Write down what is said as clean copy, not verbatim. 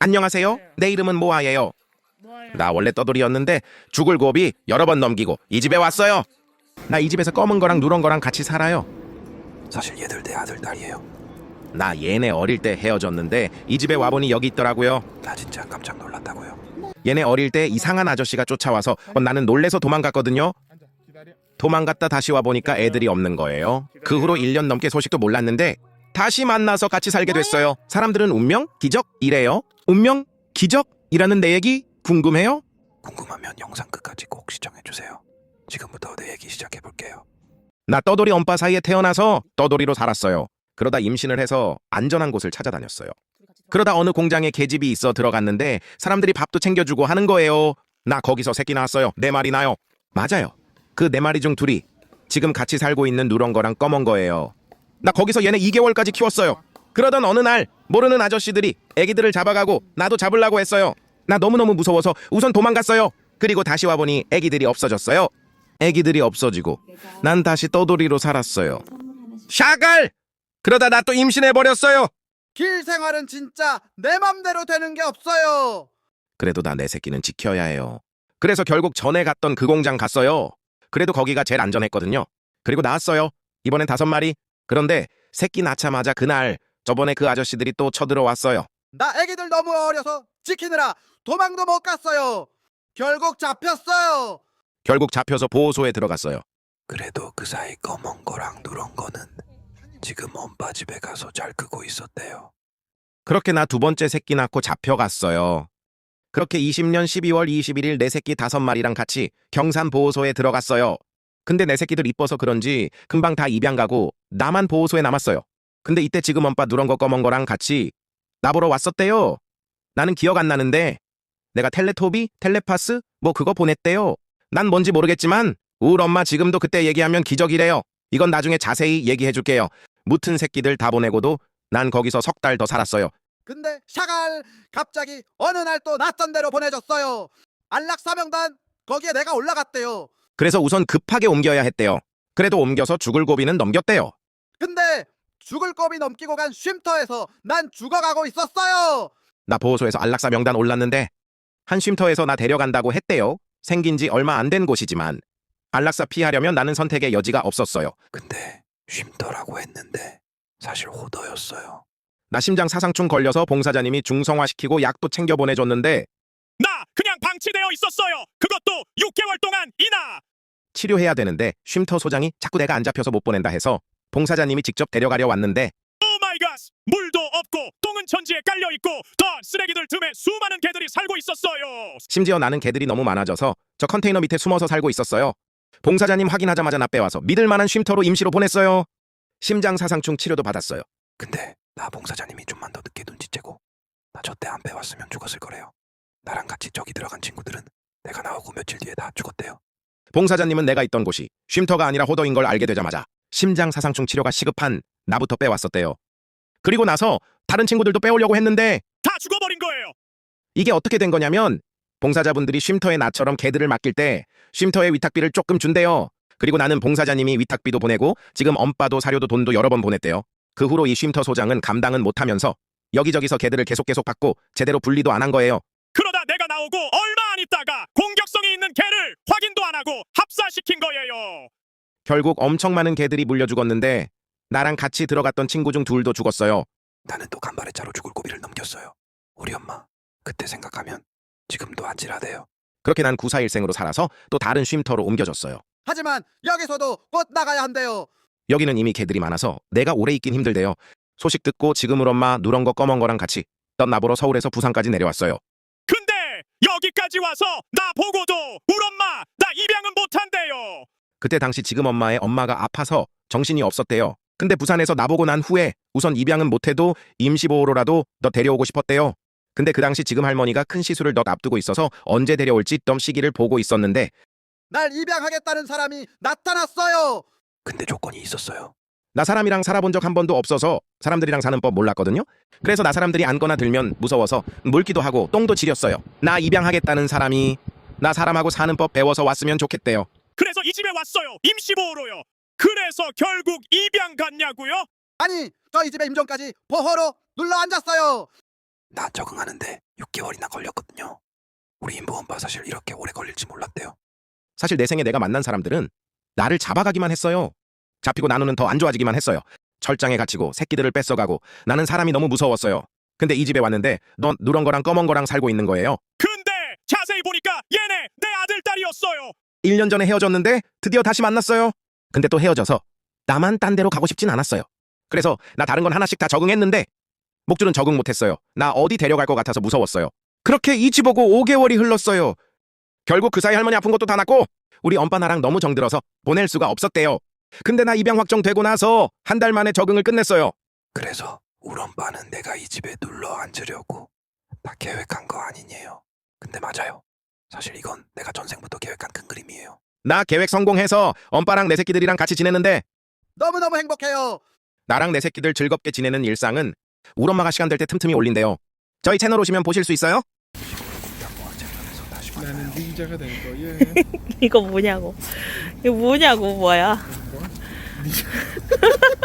안녕하세요. 내 이름은 모아예요. 나 원래 떠돌이였는데 죽을 고비 여러 번 넘기고 이 집에 왔어요. 나 이 집에서 검은 거랑 누런 거랑 같이 살아요. 사실 얘들 내 아들 딸이에요. 나 얘네 어릴 때 헤어졌는데 이 집에 와보니 여기 있더라고요. 나 진짜 깜짝 놀랐다고요. 얘네 어릴 때 이상한 아저씨가 쫓아와서 나는 놀래서 도망갔거든요. 도망갔다 다시 와보니까 애들이 없는 거예요. 그 후로 1년 넘게 소식도 몰랐는데 다시 만나서 같이 살게 됐어요. 사람들은 운명? 기적? 이래요. 운명? 기적이라는 내 얘기 궁금해요? 궁금하면 영상 끝까지 꼭 시청해주세요. 지금부터 내 얘기 시작해볼게요. 나 떠돌이 엄빠 사이에 태어나서 떠돌이로 살았어요. 그러다 임신을 해서 안전한 곳을 찾아다녔어요. 그러다 어느 공장에 계집이 있어 들어갔는데 사람들이 밥도 챙겨주고 하는 거예요. 나 거기서 새끼 낳았어요. 4마리 나요. 맞아요. 그 4마리 중 둘이 지금 같이 살고 있는 누런 거랑 검은 거예요. 나 거기서 얘네 2개월까지 키웠어요. 그러던 어느 날 모르는 아저씨들이 애기들을 잡아가고 나도 잡으려고 했어요. 나 너무너무 무서워서 우선 도망갔어요. 그리고 다시 와보니 애기들이 없어졌어요. 애기들이 없어지고 난 다시 떠돌이로 살았어요. 샤갈! 그러다 나 또 임신해버렸어요. 길 생활은 진짜 내 맘대로 되는 게 없어요. 그래도 나 내 새끼는 지켜야 해요. 그래서 결국 전에 갔던 그 공장 갔어요. 그래도 거기가 제일 안전했거든요. 그리고 나왔어요. 이번엔 5마리. 그런데 새끼 낳자마자 그날 저번에 그 아저씨들이 또 쳐들어왔어요. 나 애기들 너무 어려서 지키느라 도망도 못 갔어요. 결국 잡혔어요. 결국 잡혀서 보호소에 들어갔어요. 그래도 그 사이 검은 거랑 누런 거는 지금 엄빠 집에 가서 잘 크고 있었대요. 그렇게 나 2번째 새끼 낳고 잡혀갔어요. 그렇게 20년 12월 21일 내 새끼 5마리랑 같이 경산 보호소에 들어갔어요. 근데 내 새끼들 이뻐서 그런지 금방 다 입양 가고 나만 보호소에 남았어요. 근데 이때 지금 엄빠 누런 거 검은 거랑 같이 나보러 왔었대요. 나는 기억 안 나는데 내가 텔레토비? 텔레파스? 뭐 그거 보냈대요. 난 뭔지 모르겠지만 우리 엄마 지금도 그때 얘기하면 기적이래요. 이건 나중에 자세히 얘기해 줄게요. 무튼 새끼들 다 보내고도 난 거기서 3달 더 살았어요. 근데 샤갈 갑자기 어느 날 또 낯선 데로 보내줬어요. 안락사명단 거기에 내가 올라갔대요. 그래서 우선 급하게 옮겨야 했대요. 그래도 옮겨서 죽을 고비는 넘겼대요. 근데 죽을 고비 넘기고 간 쉼터에서 난 죽어가고 있었어요. 나 보호소에서 안락사 명단 올랐는데 한 쉼터에서 나 데려간다고 했대요. 생긴 지 얼마 안 된 곳이지만 안락사 피하려면 나는 선택의 여지가 없었어요. 근데 쉼터라고 했는데 사실 호더였어요. 나 심장 사상충 걸려서 봉사자님이 중성화시키고 약도 챙겨 보내줬는데 나 그냥 방치되어 있었어요. 그것도 6개월 동안 이나. 치료해야 되는데 쉼터 소장이 자꾸 내가 안 잡혀서 못 보낸다 해서 봉사자님이 직접 데려가려 왔는데 오 마이 갓. 물도 없고 똥은 천지에 깔려 있고 더 쓰레기들 틈에 수많은 개들이 살고 있었어요. 심지어 나는 개들이 너무 많아져서 저 컨테이너 밑에 숨어서 살고 있었어요. 봉사자님 확인하자마자 나 빼와서 믿을 만한 쉼터로 임시로 보냈어요. 심장 사상충 치료도 받았어요. 근데 나 봉사자님이 좀만 더 늦게 눈치채고 나 저 때 안 빼왔으면 죽었을 거래요. 나랑 같이 저기 들어간 친구들은 내가 나오고 며칠 뒤에 다 죽었대요. 봉사자님은 내가 있던 곳이 쉼터가 아니라 호더인 걸 알게 되자마자 심장 사상충 치료가 시급한 나부터 빼왔었대요. 그리고 나서 다른 친구들도 빼오려고 했는데 다 죽어버린 거예요. 이게 어떻게 된 거냐면 봉사자분들이 쉼터에 나처럼 개들을 맡길 때 쉼터에 위탁비를 조금 준대요. 그리고 나는 봉사자님이 위탁비도 보내고 지금 엄빠도 사료도 돈도 여러 번 보냈대요. 그 후로 이 쉼터 소장은 감당은 못하면서 여기저기서 개들을 계속 받고 제대로 분리도 안 한 거예요. 그러다 내가 나오고 얼마 안 있다가 공격성이 있는 개를 확인도 안 하고 합사시킨 거예요. 결국 엄청 많은 개들이 물려 죽었는데 나랑 같이 들어갔던 친구 중 2도 죽었어요. 나는 또 간발의 차로 죽을 고비를 넘겼어요. 우리 엄마 그때 생각하면 지금도 아찔하대요. 그렇게 난 구사일생으로 살아서 또 다른 쉼터로 옮겨졌어요. 하지만 여기서도 곧 나가야 한대요. 여기는 이미 개들이 많아서 내가 오래 있긴 힘들대요. 소식 듣고 지금 우리 엄마 누런 거 검은 거랑 같이 나보러 서울에서 부산까지 내려왔어요. 근데 여기까지 와서 나 보고도 울 엄마 나 입양은 못한대요. 그때 당시 지금 엄마의 엄마가 아파서 정신이 없었대요. 근데 부산에서 나보고 난 후에 우선 입양은 못해도 임시보호로라도 너 데려오고 싶었대요. 근데 그 당시 지금 할머니가 큰 시술을 너 앞두고 있어서 언제 데려올지 덤 시기를 보고 있었는데 날 입양하겠다는 사람이 나타났어요. 근데 조건이 있었어요. 나 사람이랑 살아본 적 한 번도 없어서 사람들이랑 사는 법 몰랐거든요. 그래서 나 사람들이 앉거나 들면 무서워서 물기도 하고 똥도 지렸어요. 나 입양하겠다는 사람이 나 사람하고 사는 법 배워서 왔으면 좋겠대요. 그래서 이 집에 왔어요. 임시보호로요. 그래서 결국 입양 갔냐고요? 아니 저희 집에 임종까지 보호로 눌러 앉았어요. 나 적응하는데 6개월이나 걸렸거든요. 우리 인부 엄마 사실 이렇게 오래 걸릴지 몰랐대요. 사실 내 생에 내가 만난 사람들은 나를 잡아가기만 했어요. 잡히고 나누는 더 안 좋아지기만 했어요. 철장에 갇히고 새끼들을 뺏어가고 나는 사람이 너무 무서웠어요. 근데 이 집에 왔는데 넌 누런 거랑 검은 거랑 살고 있는 거예요. 근데 자세히 보니까 얘네 내 아들 딸이었어요. 1년 전에 헤어졌는데 드디어 다시 만났어요. 근데 또 헤어져서 나만 딴 데로 가고 싶진 않았어요. 그래서 나 다른 건 하나씩 다 적응했는데 목줄은 적응 못했어요. 나 어디 데려갈 것 같아서 무서웠어요. 그렇게 이 집 오고 5개월이 흘렀어요. 결국 그 사이 할머니 아픈 것도 다 낫고 우리 엄빠 나랑 너무 정들어서 보낼 수가 없었대요. 근데 나 입양 확정되고 나서 한 달 만에 적응을 끝냈어요. 그래서 우리 엄마는 내가 이 집에 눌러 앉으려고 다 계획한 거 아니에요. 근데 맞아요. 사실 이건 내가 전생부터 계획한 큰 그림이에요. 나 계획 성공해서 엄빠랑 내 새끼들이랑 같이 지내는데 너무너무 행복해요. 나랑 내 새끼들 즐겁게 지내는 일상은 우리 엄마가 시간 될 때 틈틈이 올린대요. 저희 채널 오시면 보실 수 있어요? 채널에서 다시 나는 만나요. 닌자가 될 거예. 이거 뭐냐고. 이거 뭐냐고, 뭐야.